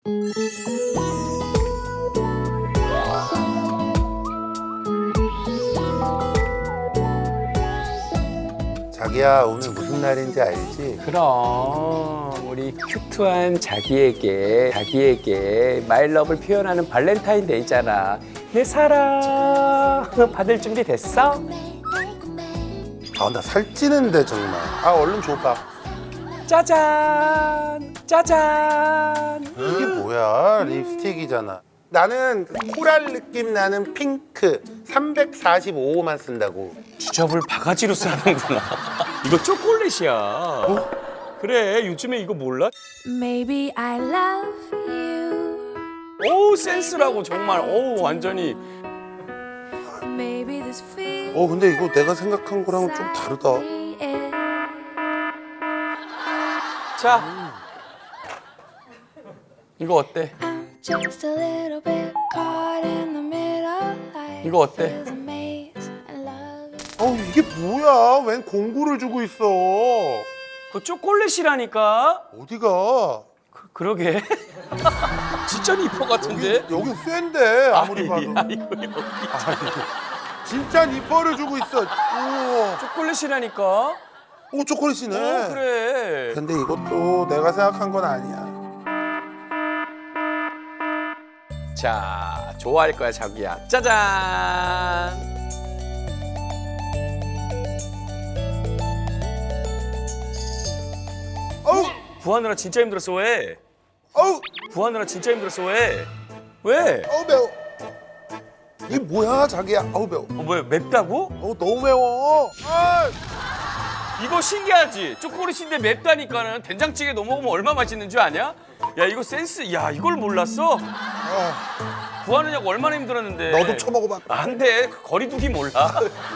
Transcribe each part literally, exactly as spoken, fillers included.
자기야, 오늘 무슨 날인지 알지? 그럼 우리 큐트한 자기에게 자기에게 마일러브를 표현하는 발렌타인데이잖아. 내 사랑 받을 준비 됐어? 아, 나 살찌는데 정말. 아, 얼른 줘봐. 짜잔 짜잔. 이게 뭐야? 립스틱이잖아. 나는 코랄 느낌 나는 핑크 삼백사십오 호만 쓴다고. 주접을 바가지로 싸는구나. 이거 초콜릿이야. 어? 그래, 요즘에 이거 몰라? Maybe I love you. 오, 센스라고 정말. 오, 완전히. Maybe this feels 어, 근데 이거 내가 생각한 거랑은 좀 다르다. 자, 이거 어때? just a little bit caught in the middle. Life 이거 어때? is a maze and love is 어, 이게 뭐야? 웬 공구를 주고 있어? 그 초콜릿이라니까. 어디가? 그, 그러게. 진짜 니퍼 같은데? 여기 쇠인데 아무리 봐도. 아니, 아이고, 여기. 아니, 진짜 니퍼를 주고 있어. 우와. 초콜릿이라니까. 오, 초콜릿이네. 오, 그래. 근데 이것도 내가 생각한 건 아니야. 자, 좋아할 거야, 자기야. 짜잔. 어우, 구하느라 진짜 힘들었어. 왜? 어우, 구하느라 진짜 힘들었어. 왜? 왜? 어우 매워. 이게 뭐야, 자기야? 어우 매워. 어, 뭐야, 맵다고? 어우 너무 매워. 아, 이거 신기하지? 초콜릿인데 맵다니까는 된장찌개 넣어 먹으면 얼마나 맛있는 줄 아냐? 야, 이거 센스. 야, 이걸 몰랐어? 아, 구하느냐고 얼마나 힘들었는데. 너도 쳐먹어봐. 안 돼. 그 거리두기 몰라.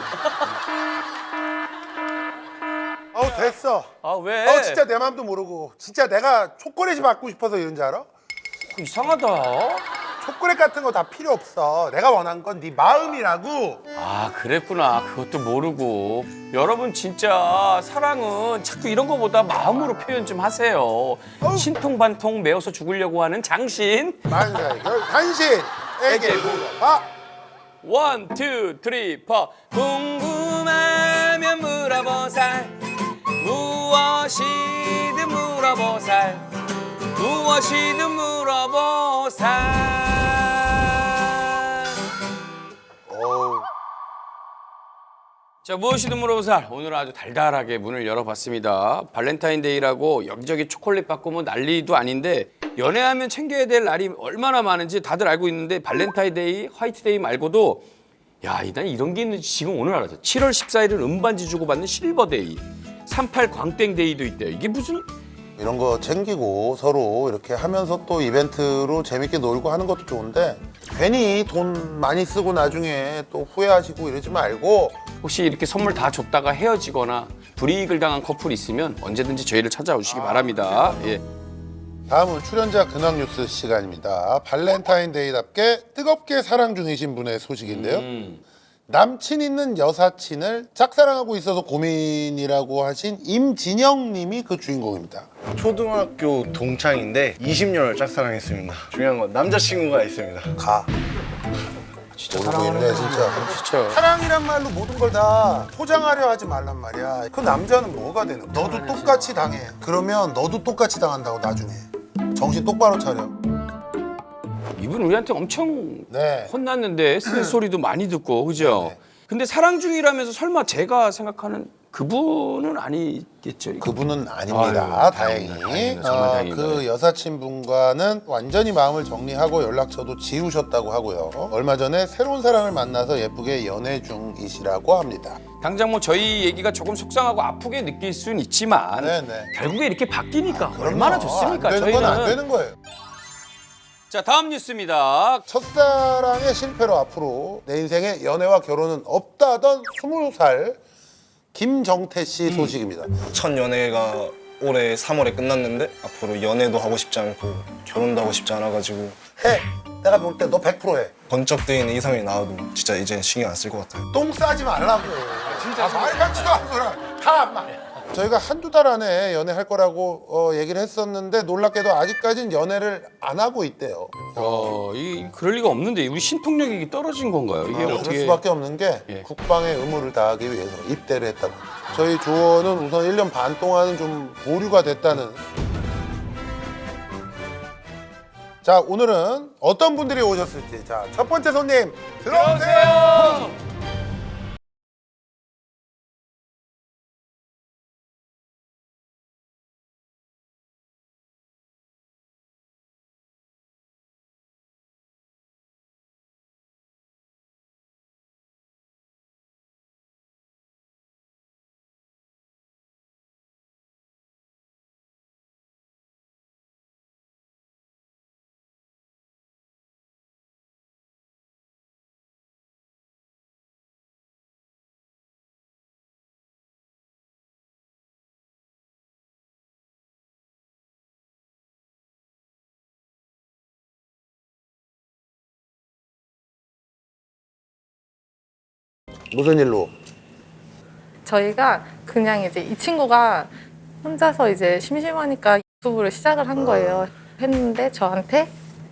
어우 됐어. 아, 왜? 어 진짜 내 마음도 모르고 진짜 내가 초콜릿이 받고 싶어서 이런지 알아? 이상하다. 초콜릿 같은 거 다 필요 없어. 내가 원한 건 네 마음이라고. 아, 그랬구나. 그것도 모르고. 여러분 진짜 사랑은 자꾸 이런 거보다 마음으로 표현 좀 하세요. 신통반통 매워서 죽으려고 하는 장신. 만사의 결 당신에게 물어봐. 원, 투, 쓰리, 포. 궁금하면 물어보살. 무엇이든 물어보살. 무엇이든 물어보살. 어우. 자, 무엇이든 물어보살. 오늘은 아주 달달하게 문을 열어봤습니다. 발렌타인데이라고 여기저기 초콜릿 받고 뭐 난리도 아닌데 연애하면 챙겨야 될 날이 얼마나 많은지 다들 알고 있는데 발렌타인데이, 화이트데이 말고도 야, 난 이런 게 있는지 지금 오늘 알았어. 칠월 십사일은 음반지 주고받는 실버데이, 삼십팔 광땡데이도 있대요. 이게 무슨... 이런 거 챙기고 서로 이렇게 하면서 또 이벤트로 재밌게 놀고 하는 것도 좋은데 괜히 돈 많이 쓰고 나중에 또 후회하시고 이러지 말고 혹시 이렇게 선물 다 줬다가 헤어지거나 불이익을 당한 커플이 있으면 언제든지 저희를 찾아오시기 바랍니다. 예. 다음은 출연자 근황 뉴스 시간입니다. 발렌타인데이답게 뜨겁게 사랑 중이신 분의 소식인데요. 음. 남친 있는 여사친을 짝사랑하고 있어서 고민이라고 하신 임진영 님이 그 주인공입니다. 초등학교 동창인데 이십 년을 짝사랑했습니다. 중요한 건 남자친구가 있습니다. 가. 진짜 모르고 있네 진짜. 진짜. 사랑이란 말로 모든 걸 다 포장하려 하지 말란 말이야. 그 남자는 뭐가 되는 거야? 너도 똑같이 당해. 그러면 너도 똑같이 당한다고 나중에. 정신 똑바로 차려. 이분 우리한테 엄청 네. 혼났는데 쓴소리도 많이 듣고 그죠? 네. 근데 사랑 중이라면서 설마 제가 생각하는 그분은 아니겠죠? 이거? 그분은 아닙니다. 아유, 다행히. 다행이다, 다행이다, 정말 어, 다행이다. 그 여사친분과는 완전히 마음을 정리하고 연락처도 지우셨다고 하고요. 얼마 전에 새로운 사랑을 만나서 예쁘게 연애 중이시라고 합니다. 당장 뭐 저희 얘기가 조금 속상하고 아프게 느낄 수는 있지만 네네. 결국에 이렇게 바뀌니까 그럼요. 얼마나 좋습니까? 안 되는 저희는. 건 안 되는 거예요. 자, 다음 뉴스입니다. 첫사랑의 실패로 앞으로 내 인생에 연애와 결혼은 없다던 스무 살 김정태 씨 소식입니다. 첫 연애가 올해 삼월에 끝났는데 앞으로 연애도 하고 싶지 않고 결혼도 하고 싶지 않아가지고 해! 내가 볼 때 너 백 퍼센트 해. 번쩍 뜨이는 이성이 나와도 진짜 이제 신경 안 쓸 것 같아요. 똥 싸지 말라고. 진짜 아, 말 같지도 않은 소리 다 안 말. 저희가 한두 달 안에 연애할 거라고 어, 얘기를 했었는데 놀랍게도 아직까지는 연애를 안 하고 있대요. 어, 이 그럴 리가 없는데 우리 신통력이 떨어진 건가요? 이게 아, 그럴 어떻게? 수밖에 없는 게 예. 국방의 의무를 다하기 위해서 입대를 했다고. 저희 조원은 우선 일 년 반 동안은 좀 보류가 됐다는. 자, 오늘은 어떤 분들이 오셨을지. 자, 첫 번째 손님 들어오세요. 무슨 일로? 저희가 그냥 이제 이 친구가 혼자서 이제 심심하니까 유튜브를 시작을 한 거예요. 했는데 저한테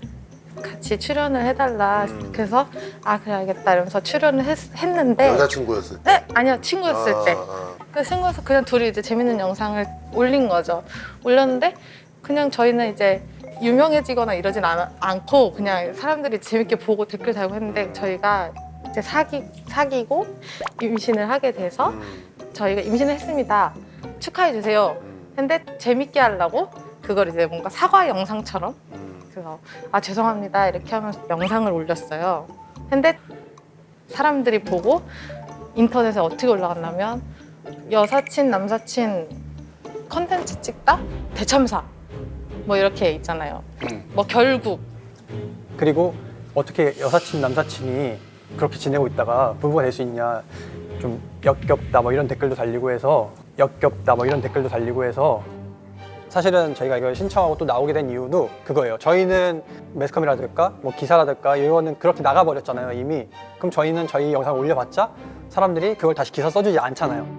같이 출연을 해달라. 음. 그래서 아 그래 알겠다 이러면서 출연을 했, 했는데 여자친구였을 때. 네 아니요 친구였을 아, 때. 아. 그 친구여서 그냥 둘이 이제 재밌는 영상을 올린 거죠. 올렸는데 그냥 저희는 이제 유명해지거나 이러진 않, 않고 그냥 사람들이 재밌게 보고 댓글 달고 했는데 저희가 이제 사귀, 사귀고 임신을 하게 돼서 음. 저희가 임신을 했습니다. 축하해 주세요. 음. 근데 재밌게 하려고 그걸 이제 뭔가 사과 영상처럼 음. 그래서 아 죄송합니다 이렇게 하면서 영상을 올렸어요. 근데 사람들이 보고 인터넷에 어떻게 올라갔냐면 여사친 남사친 컨텐츠 찍다 대참사 뭐 이렇게 있잖아요. 음. 뭐 결국 그리고 어떻게 여사친 남사친이 그렇게 지내고 있다가 부부가 될 수 있냐, 좀 역겹다 뭐 이런 댓글도 달리고 해서 역겹다 뭐 이런 댓글도 달리고 해서 사실은 저희가 이걸 신청하고 또 나오게 된 이유도 그거예요. 저희는 매스컴이라든가 뭐 기사라든가 이거는 그렇게 나가버렸잖아요 이미. 그럼 저희는 저희 영상 올려봤자 사람들이 그걸 다시 기사 써주지 않잖아요.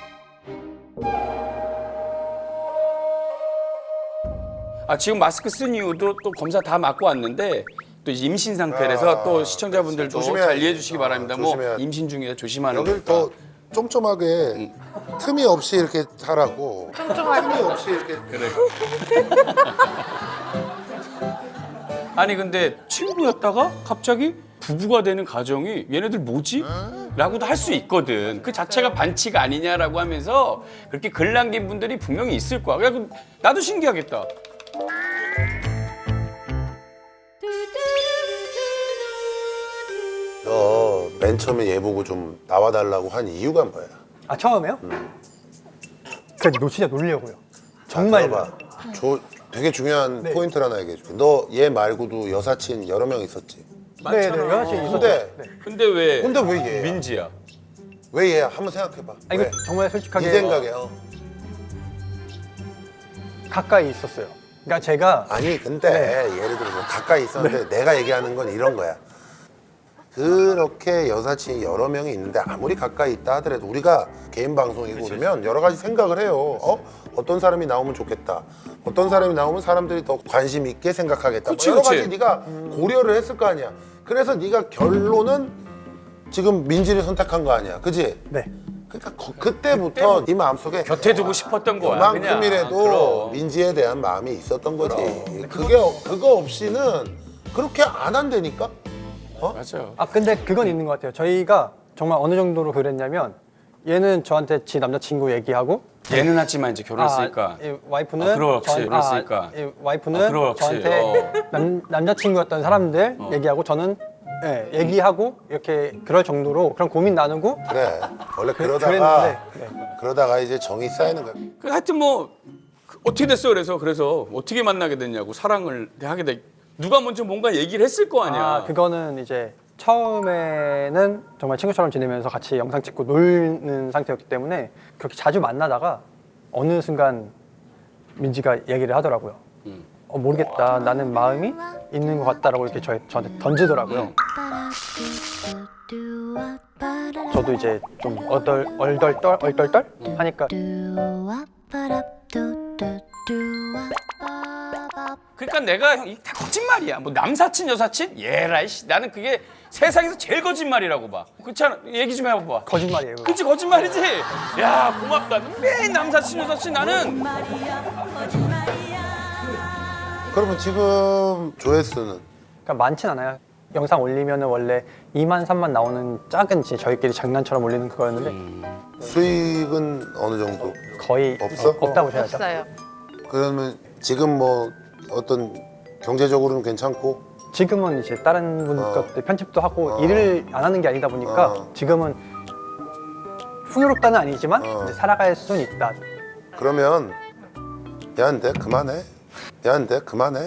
아 지금 마스크 쓴 이유도 또 검사 다 맞고 왔는데 또 임신 상태라서 아, 또 시청자분들도 조심해야지. 잘 이해해 주시기 아, 바랍니다. 뭐 조심해야지. 임신 중이라 조심하는 여길 거니까. 더 쫌쫌하게 틈이 없이 이렇게 하라고. 틈이 없이 이렇게. 그래. 아니 근데 친구였다가 갑자기 부부가 되는 가정이 얘네들 뭐지? 라고도 할 수 있거든. 그 자체가 반칙 아니냐라고 하면서 그렇게 글 남긴 분들이 분명히 있을 거야. 야, 그럼 나도 신기하겠다. 너 맨 처음에 얘 보고 좀 나와달라고 한 이유가 뭐야? 아 처음에요? 음. 그냥 노 진짜 놀려고요. 자, 정말. 들어봐. 조, 되게 중요한 네. 포인트를 하나 얘기해줄게. 너 얘 말고도 여사친 여러 명 있었지? 네네 여사친 있었죠. 근데 네. 근데 왜? 근데 왜 얘야? 민지야. 왜 얘야? 한번 생각해봐. 아 왜? 이거 정말 솔직하게 네 생각에. 어. 가까이 있었어요. 그러니까 제가 아니 근데 네. 예를 들어서 가까이 있었는데 내가 얘기하는 건 이런 거야. 그렇게 여사친이 여러 명이 있는데 아무리 가까이 있다 하더라도 우리가 개인 방송이고 그러면 여러 가지 생각을 해요. 어? 어떤 사람이 나오면 좋겠다. 어떤 사람이 나오면 사람들이 더 관심 있게 생각하겠다. 그치, 뭐 여러 그치. 가지 네가 고려를 했을 거 아니야. 그래서 네가 결론은 지금 민지를 선택한 거 아니야. 그지? 네. 그러니까 거- 그때부터 네 마음속에 곁에 두고 싶었던 거야. 그냥. 그만큼이라도 그럼. 민지에 대한 마음이 있었던 거지. 그게 어- 그거 없이는 그렇게 안 한다니까. 맞아. 아 근데 그건 있는 것 같아요. 저희가 정말 어느 정도로 그랬냐면 얘는 저한테 지 남자친구 얘기하고 얘는 하지만 이제 결혼했으니까. 아, 이 와이프는 아, 그렇지, 저한- 그랬으니까. 아, 이 와이프는 아, 그렇지. 저한테 어. 남, 남자친구였던 사람들 얘기하고 저는 예, 얘기하고 이렇게 그럴 정도로 그런 고민 나누고 그래. 원래 그- 그러다가 그랬는데, 네. 그러다가 이제 정이 쌓이는 거야. 그 하여튼 뭐 그 어떻게 됐어 그래서 그래서 어떻게 만나게 됐냐고 사랑을 하게 돼. 누가 먼저 뭔가 얘기를 했을 거 아니야. 아 그거는 이제 처음에는 정말 친구처럼 지내면서 같이 영상 찍고 놀는 상태였기 때문에 그렇게 자주 만나다가 어느 순간 민지가 얘기를 하더라고요. 음. 어, 모르겠다. 나는 마음이 있는 것 같다라고 이렇게 저, 저한테 던지더라고요. 음. 저도 이제 좀 얼떨 얼떨떨 얼떨떨 하니까 그러니까 내가 형, 이게 다 거짓말이야. 뭐 남사친 여사친? 예라이 씨. 나는 그게 세상에서 제일 거짓말이라고 봐. 그렇지 않아? 얘기 좀 해봐봐. 거짓말이에요. 그거. 그치 거짓말이지? 야 고맙다. 매일 남사친 여사친 나는 그러면 지금 조회수는 그러니까 많진 않아요. 영상 올리면은 원래 이만 삼만 나오는 작은 이제 저희끼리 장난처럼 올리는 그거였는데 수익은 어느 정도? 거의 없어? 없다고 보셔야죠. 없어요. 그러면 지금 뭐 어떤 경제적으로는 괜찮고 지금은 이제 다른 분 어. 것들 편집도 하고 어. 일을 안 하는 게 아니다 보니까 어. 지금은 풍요롭다는 아니지만 어. 이제 살아갈 수는 있다. 그러면 야한데 그만해. 야한데 그만해.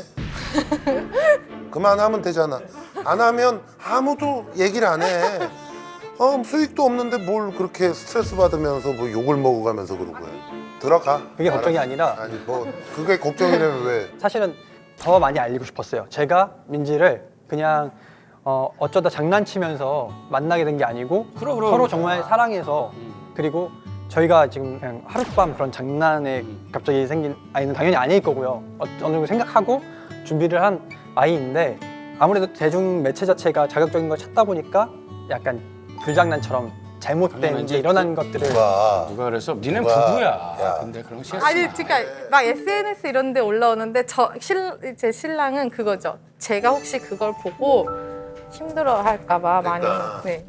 그만하면 되잖아. 안 하면 아무도 얘기를 안 해. 어, 수익도 없는데 뭘 그렇게 스트레스 받으면서 뭐 욕을 먹어가면서 그러고 해. 들어가. 그게 걱정이 아니라 아니 뭐 그게 걱정이라면 왜? 사실은 더 많이 알리고 싶었어요. 제가 민지를 그냥 어, 어쩌다 장난치면서 만나게 된 게 아니고 그럼, 그럼. 서로 정말 사랑해서 그리고 저희가 지금 그냥 하룻밤 그런 장난에 갑자기 생긴 아이는 당연히 아닐 거고요. 어, 어느 정도 생각하고 준비를 한 아이인데 아무래도 대중 매체 자체가 자극적인 걸 찾다 보니까 약간 불장난처럼 잘못된 당연히 이제 이제 일어난 것들을 누가 누가 그래서 니네 누가- 부부야. 야. 근데 그런 거 싫어. 아니 그러니까 막 에스엔에스 이런 데 올라오는데 저 실, 제 신랑은 그거죠. 제가 혹시 그걸 보고 힘들어 할까 봐 많이 그러니까. 네.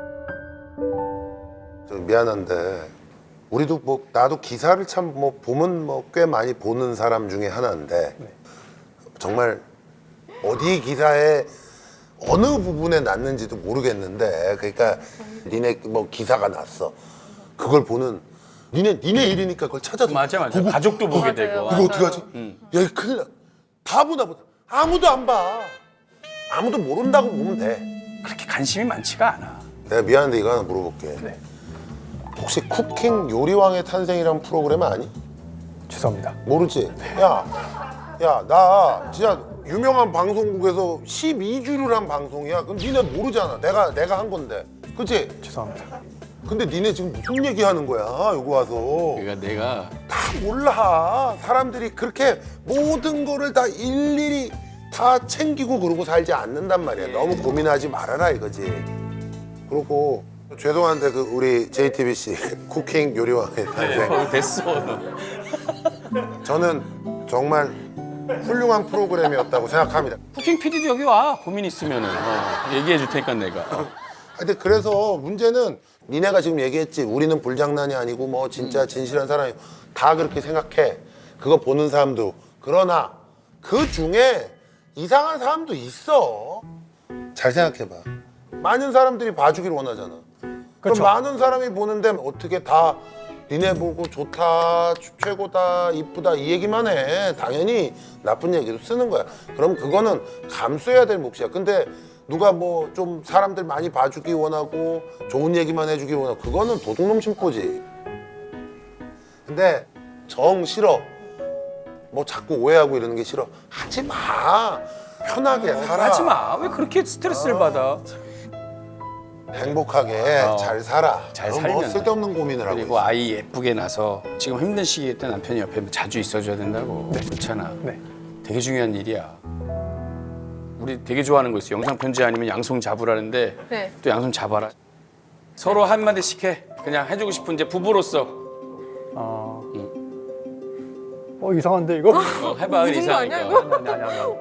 저 미안한데 우리도 뭐 나도 기사를 참 뭐 보면 뭐 꽤 많이 보는 사람 중에 하나인데 정말 어디 기사에 어느 부분에 났는지도 모르겠는데 그러니까 니네 뭐 기사가 났어 그걸 보는 니네 니네 일이니까 그걸 찾아서 맞아 맞아. 보고 가족도 보게 맞아요, 되고. 맞아요. 이거 어떡하지? 야 이거 큰일 나다 보나 보다 아무도 안 봐 아무도 모른다고 보면 돼 그렇게 관심이 많지가 않아. 내가 미안한데 이거 하나 물어볼게 네. 혹시 쿠킹 요리왕의 탄생이라는 프로그램 아니? 죄송합니다. 모르지? 야, 야, 나 진짜 유명한 방송국에서 십이 주를 한 방송이야. 그럼 니네 모르잖아. 내가 내가 한 건데, 그렇지? 죄송합니다. 근데 니네 지금 무슨 얘기하는 거야? 여기 와서 그러니까 내가 다 몰라. 사람들이 그렇게 모든 거를 다 일일이 다 챙기고 그러고 살지 않는단 말이야. 너무 고민하지 말아라 이거지. 그리고 죄송한데 그 우리 제이티비씨 쿠킹 요리왕의 탄생. 어, 됐어. 저는 정말 훌륭한 프로그램이었다고 생각합니다. 쿠킹 피디도 여기 와. 고민 있으면은 어, 얘기해 줄 테니까 내가. 어. 근데 그래서 문제는 니네가 지금 얘기했지. 우리는 불장난이 아니고 뭐 진짜 진실한 사람이 다 그렇게 생각해. 그거 보는 사람도. 그러나 그 중에 이상한 사람도 있어. 잘 생각해봐. 많은 사람들이 봐주길 원하잖아. 그럼 그쵸. 많은 사람이 보는데 어떻게 다 니네 보고 좋다, 최고다, 이쁘다 이 얘기만 해. 당연히 나쁜 얘기도 쓰는 거야. 그럼 그거는 감수해야 될 몫이야. 근데 누가 뭐 좀 사람들 많이 봐주기 원하고 좋은 얘기만 해주기 원하고 그거는 도둑놈 심보지. 근데 정 싫어. 뭐 자꾸 오해하고 이러는 게 싫어. 하지 마. 편하게 살아. 하지 마. 왜 그렇게 스트레스를 받아? 행복하게 어. 잘 살아. 잘 그럼 뭐 살면 쓸데없는 고민을 하고 그리고 있어. 아이 예쁘게 나서 지금 힘든 시기에 때 남편이 옆에 자주 있어줘야 된다고. 그렇잖아. 네. 되게 중요한 일이야. 우리 되게 좋아하는 거 있어. 영상 편지 아니면 양손 잡으라는데 네. 또 양손 잡아라. 서로 한마디씩 해. 그냥 해주고 싶은 이제 부부로서 어, 어 이상한데 이거? 어, 해봐. 무슨 거 아니야, 이상하니까. 아니 아니 아니. 아니.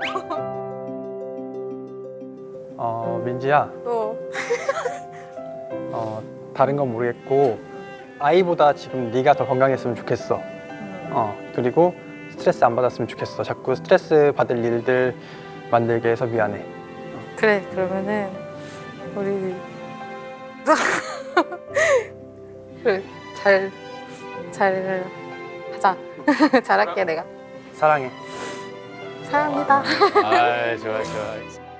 어 민지야, 또 어 다른 건 모르겠고 아이보다 지금 네가 더 건강했으면 좋겠어. 어 그리고 스트레스 안 받았으면 좋겠어. 자꾸 스트레스 받을 일들 만들게 해서 미안해. 그래 그러면은 우리 그래 잘 잘 하자. 잘할게 내가. 사랑해. 사랑합니다. 아, 좋아, 좋아.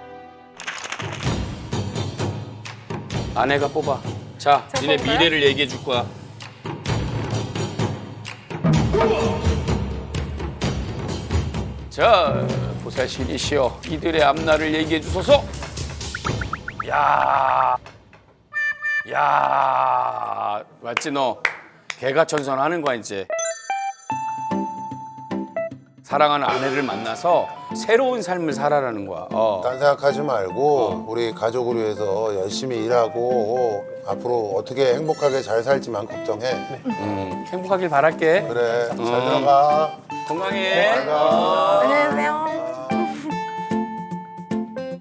아내가 뽑아. 자, 자, 니네 뽑을까요? 미래를 얘기해 줄 거야. 자, 보살신이시여, 이들의 앞날을 얘기해 주소서. 야, 야, 맞지 너? 개가천선하는 거야 이제. 사랑하는 아내를 만나서 새로운 삶을 살아라는 거야. 어. 딴 생각하지 말고 우리 가족을 위해서 열심히 일하고 앞으로 어떻게 행복하게 잘 살지만 걱정해. 음, 행복하길 바랄게. 그래, 잘 들어가. 건강해. 잘 가. 안녕히